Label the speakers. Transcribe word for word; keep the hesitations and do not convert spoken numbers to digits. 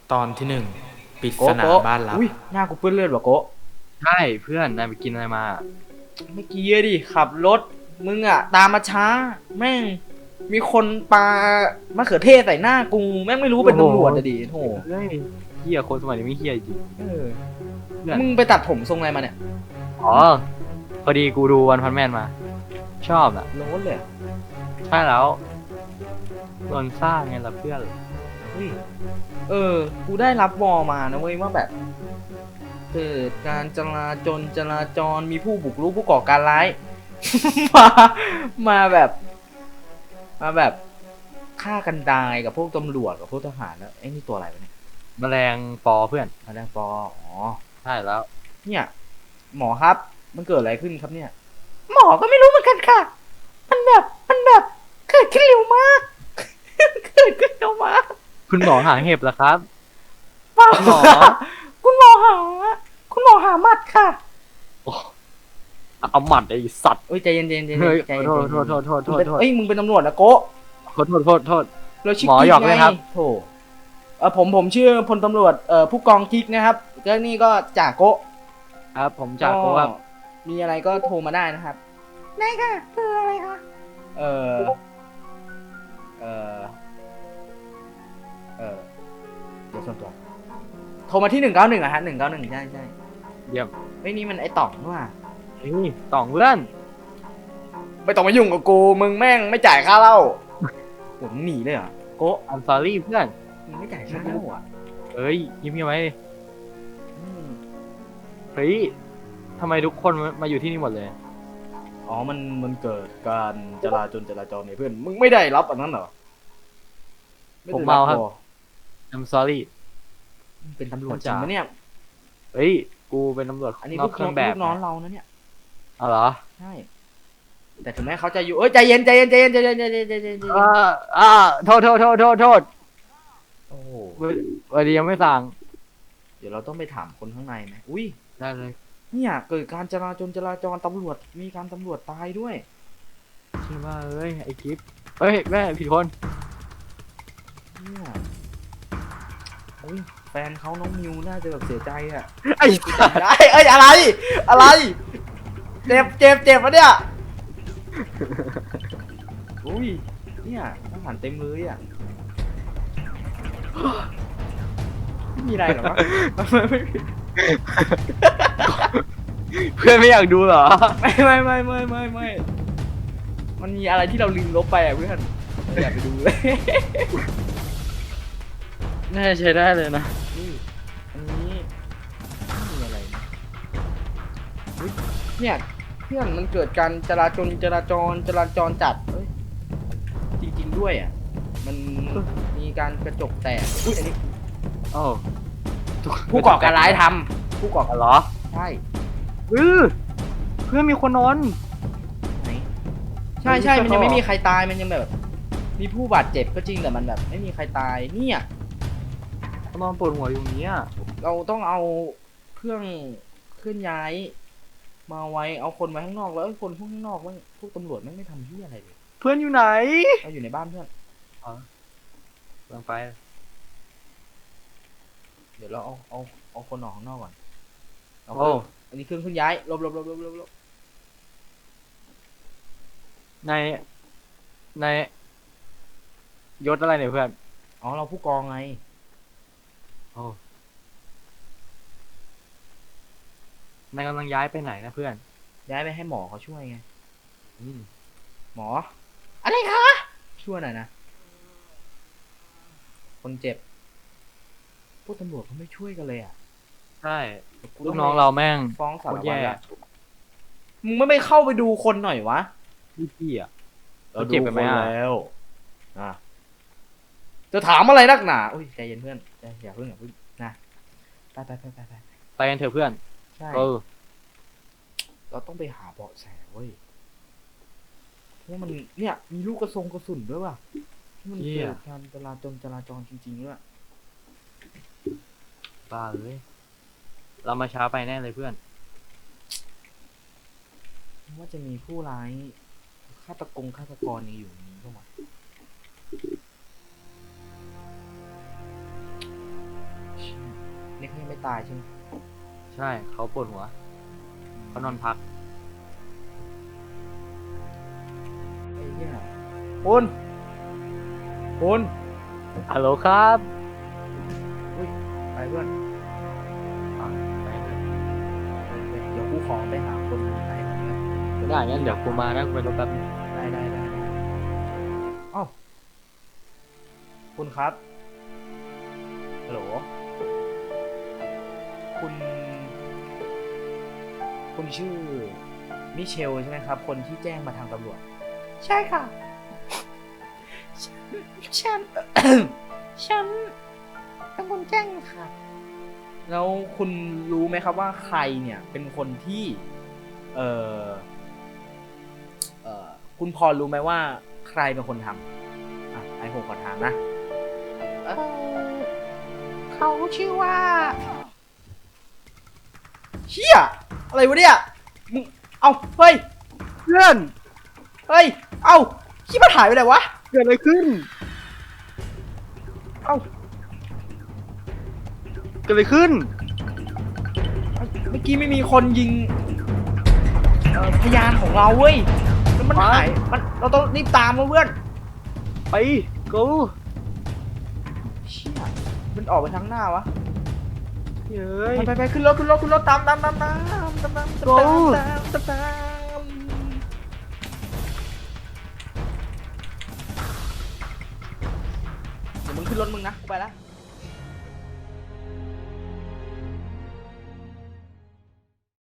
Speaker 1: ตอนที่หนึ่งปริศ
Speaker 2: โกะ
Speaker 1: นา
Speaker 2: โกะ
Speaker 1: บ้านลับ
Speaker 2: อุ้ยหน้ากูเปื้อนเลือดว่ะโกะ
Speaker 3: ใช่เพื่อนนายไปกินอะไรมา
Speaker 2: เมื่อกี้อะดิขับรถมึงอะตามมาช้าแม่งมีคนปามะเขือเทศใส่หน้ากูแม่งไม่รู้เป็นตำรวจอะดิโถ
Speaker 3: เฮ้ยเฮียคนสมัยนี้ไม่เฮียจริง
Speaker 2: เออ
Speaker 3: เพื่อน
Speaker 2: มึงไปตัดผมทรงอะไรมาเนี่ย
Speaker 3: อ๋อพอดีกูดูวันพันแมนมา ชอบอ่ะ
Speaker 2: โน้ตเลยอะ
Speaker 3: ใช่แล้วโดนสร้างไงล่ะเพื่อน
Speaker 2: เฮ้ยเออ กูได้รับวอลมานะเว้ยว่าแบบเกิดการจราจรจราจรมีผู้บุกรุกผู้ก่อการร้าย มามาแบบ มาแบบฆ่ากันตายกับพวกตำรวจกับพวกทหารแล้วไอ้นี่ตัวอะไรวะเนี่ย
Speaker 3: แมลงปอเพื่อน
Speaker 2: มาแดงปออ๋อ
Speaker 3: ใช่แล้ว
Speaker 2: เนี่ยหมอครับ มันเกิดอะไรขึ้นครับเนี่ย หมอก็ไม่รู้เหมือนกันค่ะ มันแบบมันแบบเกิดขึ้นเร็วมาก เกิดขึ้นเร็วมาก
Speaker 3: คุณหมอหาเห็บเหรอครับ
Speaker 2: เปล่า
Speaker 3: คุณหมอ
Speaker 2: ค่ะคุณหมอหา คุณหมอหาหมัดค่ะ
Speaker 3: โอ้เอาหมัดไอ้สัตว์
Speaker 2: เอ้ยใจเย็นๆใจเย็นๆ
Speaker 3: เฮ้ย
Speaker 2: ใจเย็น
Speaker 3: โท
Speaker 2: ๆ
Speaker 3: ษโทษโทษโทษโท
Speaker 2: มึง
Speaker 3: ษ
Speaker 2: เป็น
Speaker 3: โทษ
Speaker 2: เอ้ยมึงเป็นตำรวจนะโกะ
Speaker 3: ขอโทษโทษโทษ
Speaker 2: เราชื่อ
Speaker 3: หมอ
Speaker 2: กิ๊ก
Speaker 3: หยอก
Speaker 2: ไง
Speaker 3: เลยครับ
Speaker 2: โถเออผมผมชื่อพลตำรวจเอ่อผู้กองกิ๊กนะครับแล้วนี่ก็จ่าโกะ
Speaker 3: ครับผมจากโกครับ
Speaker 2: มีอะไรก็โทรมาได้นะครับได้ค่ะคืออะไรคะเออเออเออเดี๋ยวส่วนตัวโทรมาที่หนึ่งเก้าหนึ่งอะฮะหนึ่งเก้าหนึ่งใช่ใช่
Speaker 3: เยี่ยม
Speaker 2: เฮ้ยนี่มันไอ้ต่องนี่หว่า
Speaker 3: นี่ต่องเพื่อน
Speaker 2: ไม่ต้องมายุ่งกับกูมึงแม่งไม่จ่ายค่าเหล้าผมหนีเลยเหรอโกะ
Speaker 3: I'm sorry เพื่อน
Speaker 2: มึงไม่จ่ายค่าเหล้าอ่ะ
Speaker 3: เฮ้ยยิ้มยังไง
Speaker 2: อืม
Speaker 3: เฮ้ยทำไมทุกคนมาอยู่ที่นี่หมดเลย
Speaker 2: อ๋อมันมันเกิดการจราจรจราจรเนี่ยเพื่อนมึงไม่ได้รับอันนั้นเหรอไได้
Speaker 3: ผมเมาครับ
Speaker 2: วอ
Speaker 3: I'm sorry
Speaker 2: มึงเป็นตำรวจจริงปะเนี่ย
Speaker 3: เฮ้ย กูเป็นตำรวจ
Speaker 2: อันนี้
Speaker 3: น
Speaker 2: ลู
Speaker 3: อก
Speaker 2: ก
Speaker 3: เครื่องแบ
Speaker 2: ลู
Speaker 3: บ
Speaker 2: กน้องเรานะเนี่ย
Speaker 3: เอาเหรอ
Speaker 2: ใช่ แต่ถึงแม้เขาจะอยู่ เอ้ยใจเย็นใจเย็นใจเย็นใจเย็นใจเย็นใจเย็นใจเย็น
Speaker 3: อ่าอ่าโทษโทษโทษโทษโทษ
Speaker 2: โอ้โห
Speaker 3: วันนี้ยังไม่สั่ง
Speaker 2: เดี๋ยวเราต้องไปถามคนข้างในไหมอุ้ย
Speaker 3: ได้เลย
Speaker 2: เนี่ยเกิดการจราจรจราจรตำรวจ มีการตำรวจตายด้วย
Speaker 3: ชื่อว่าเอ้ย ไอคลิปเฮ้ย แม่ผิดคน
Speaker 2: เนี่ยอุ้ยแฟนเขาน้องมิวน่าจะแบบเสียใจอ่ะ
Speaker 3: ไอ้
Speaker 2: ได้เอ้ยอะไร อะไร เจ็บเจ็บเจ็บปะเนี่ย อุ้ย เนี่ยทหารเต็มเลยอ่ะ ไม่มีอะไรหรอวะ
Speaker 3: เพื่อนไม่อยากดูเหรอ
Speaker 2: ไม่ไม่ไม่ไม่ไม่ไม่มันมีอะไรที่เราลืมลบไปอ่ะเพื่อนเราอย่าไปดูเลย
Speaker 3: น่าจะใช้ได้เลยนะ
Speaker 2: นี่อันนี้ไม่มีอะไรนะอุ๊ยเนี่ยเพื่อนมันเกิดการจราจรจราจรจราจรจัดเอ้ยจริงๆด้วยอ่ะ มันมีการกระจกแตกอุ้ยอันนี้
Speaker 3: โอ้
Speaker 2: ผู้ก่อการร้ายทำผู้ก่อการ
Speaker 3: เหรอ
Speaker 2: ใช่
Speaker 3: เออเพื่อนมีคนนอน
Speaker 2: ไหนใช่ใช่
Speaker 3: ไม่
Speaker 2: มัน
Speaker 3: ใช่
Speaker 2: ยังไม่
Speaker 3: เขามี
Speaker 2: มีใครตายมันยังแบบ มีผู้บาดเจ็บก็จริงแต่มันแบบ ไม่มีใครตายเนี่ย
Speaker 3: เขานอนปวดหัวอยู่ตรงนี้อะ
Speaker 2: เราต้องเอาเครื่องเคลื่อนย้าย มาไว้เอาคนไว้ข้างนอกแล้วไอ้คนพวกข้างนอกมันพวกตำรวจไม่งไม่ทำที่อะไรเลย
Speaker 3: เพื่อนอยู่ไหน
Speaker 2: เราอยู่ในบ้านเพื่อน
Speaker 3: ลงไป
Speaker 2: เดี๋ยวเราเอาเอาเอาคนออกข้างนอกก่อนเอา
Speaker 3: โอ้
Speaker 2: อันนี้เครื่องเคลื่อนย้ายหลบหลบหลบหลบหลบหลบ
Speaker 3: ใน ในยศอะไรเนี่ยเพื่อน
Speaker 2: อ๋อเราผู้กองไง
Speaker 3: โอ้นายกำลังย้ายไปไหนนะเพื่อน
Speaker 2: ย้ายไปให้หมอเขาช่วยไง
Speaker 3: อืม
Speaker 2: หมอ อะไรคะช่วยหน่อยนะคนเจ็บพวกตำรวจเขาไม่ช่วยกันเลยอ่ะ
Speaker 3: ใช่
Speaker 2: กู
Speaker 3: ลู
Speaker 2: ต้
Speaker 3: กน้องเราแม่ง
Speaker 2: ฟ้องสาร
Speaker 3: โคตร
Speaker 2: วัต
Speaker 3: แย่
Speaker 2: รละมึงไม่ไปเข้าไปดูคนหน่อยวะ
Speaker 3: พี่พี่อ่ะ
Speaker 2: เรา
Speaker 3: เขาเจ็บกันไหม
Speaker 2: ดู
Speaker 3: อะ
Speaker 2: คนแล้วอ่ะจะถามอะไรนักหนาอุ้ยใจเย็นเพื่อนใจอย่าเพิ่งอย่าเพิ่งนะไปไปไปไปไป
Speaker 3: ไปกันเถอะเพื่อน
Speaker 2: ใช่
Speaker 3: เออ
Speaker 2: เราต้องไปหาเบาะแสเว้ยเพราะมันเนี่ยมีลูกกระทรงกระสุนด้วยว่ะที่มัน
Speaker 3: เหี้
Speaker 2: เกิ
Speaker 3: ย
Speaker 2: ดการจราจรจราจรจริงๆด้วย
Speaker 3: บ้าเลย เรามาช้าไปแน่เลยเพื่อน
Speaker 2: ว่าจะมีผู้ร้ายฆาตกงฆาตกรนี่อยู่ในนี้เข้ามานี่เขายังไม่ตายใช่ไหม
Speaker 3: ใช่เขาปวดหัวเขานอนพัก
Speaker 2: ไอ้เหี้ยคุณคุณ
Speaker 3: ฮัลโหลครับ
Speaker 2: ไปเพื่อน
Speaker 3: อ่ะไปเลย
Speaker 2: เดี๋ยวกูขอไปหาคนไหนก่อนนะ
Speaker 3: ได้งั้นเดี๋ยวกูมานะกูไปรถแป๊บนึง
Speaker 2: ได้ได้ได้ได้เอ้าคุณครับฮัลโหลคุณ คุณชื่อมิเชลใช่ไหมครับ คนที่แจ้งมาทางตำรวจ ใช่ค่ะ ฉัน ฉัน ฉันเป็นคนแจ้งค่ะ แล้วคุณรู้ไหมครับว่าใครเนี่ยเป็นคนที่ เออเออคุณพอรู้ไหมว่าใครเป็นคนทำอ่ะไอ้ผมขอถามนะ เออเขาชื่อว่า เชี่ยอะไรวะเนี่ยมึงเอาเฮ้ย
Speaker 3: เพื่อน
Speaker 2: เฮ้ย เอาขี้มันหายไปไหนวะ
Speaker 3: เกิดอะไรขึ้น
Speaker 2: เอา
Speaker 3: เกิดอะไรขึ้น
Speaker 2: เมื่อกี้ไม่มีคนยิงเอ่อพยานของเราเว้ยแล้วมัน
Speaker 3: ฮะ
Speaker 2: หายมันเราต้องรีบตามมาเพื่อน
Speaker 3: ไป go
Speaker 2: เชี่ยมันออกไปทางหน้าวะ
Speaker 3: เฮ้ย
Speaker 2: ไปไปไปขึ้นรถขึ้นรถขึ้นรถตามตามตามตามตามตามตาม
Speaker 3: โอ้
Speaker 2: ตามตามตามเดี๋ยวมึงขึ้นรถมึงนะกูไปละ